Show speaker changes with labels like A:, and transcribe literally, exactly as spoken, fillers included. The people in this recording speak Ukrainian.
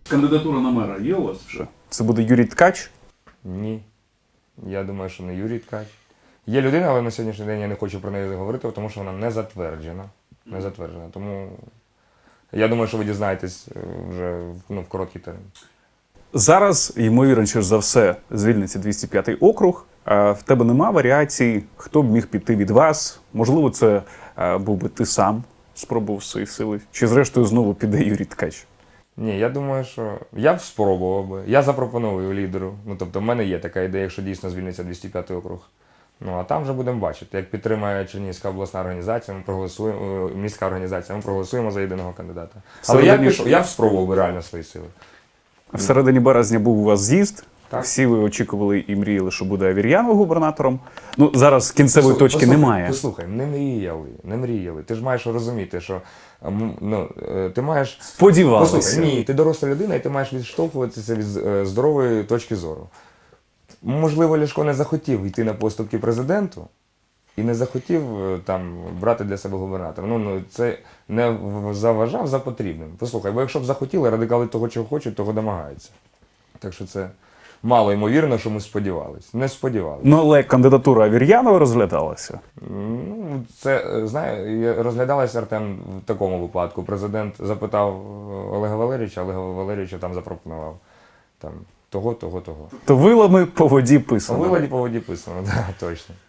A: Кандидатура на мера є у вас вже? Це буде Юрій Ткач?
B: Ні. Я думаю, що не Юрій Ткач. Є людина, але на сьогоднішній день я не хочу про неї говорити, тому що вона не затверджена. Не затверджена. Тому я думаю, що ви дізнаєтесь вже ну, в короткий термін.
A: Зараз, ймовірніше за все, звільниться двісті п'ятий округ. А в тебе нема варіацій, хто б міг піти від вас? Можливо, це а, був би ти сам спробував свої сили? Чи зрештою знову піде Юрій Ткач?
B: Ні, я думаю, що я б спробував би. Я запропоную лідеру. Ну, тобто, в мене є така ідея, якщо дійсно звільниться двісті п'ятий округ. Ну, а там вже будемо бачити. Як підтримає Чернігівська обласна організація, ми проголосуємо, міська організація, ми проголосуємо за єдиного кандидата. Але
A: Всередині...
B: я, пішов, я б спробував би реально свої сили.
A: В середині березня був у вас з'їзд.
B: Так.
A: Всі ви очікували і мріяли, що буде Авір'янов губернатором. Ну, зараз кінцевої
B: Послухай,
A: точки
B: послухай,
A: немає.
B: Послухай, не мріяли, не мріяли. Ти ж маєш розуміти, що ну, ти маєш...
A: Сподівалися.
B: Послухай, ні, ти доросла людина, і ти маєш відштовхуватися від здорової точки зору. Можливо, Ляшко не захотів йти на поступки президенту і не захотів там брати для себе губернатора. Ну, ну, це не заважав за потрібним. Послухай, бо якщо б захотіли, радикали того, чого хочуть, того домагаються. Так що це мало ймовірно, що ми сподівалися. Не сподівалися.
A: Ну, але кандидатура Авір'янова розглядалася.
B: Ну, це, знає, розглядалася, Артем, в такому випадку. Президент запитав Олега Валерійовича, Олега Валерійовича там запропонував там того, того, того.
A: То вилами по воді писано.
B: Виладі по воді писано, так, да, точно.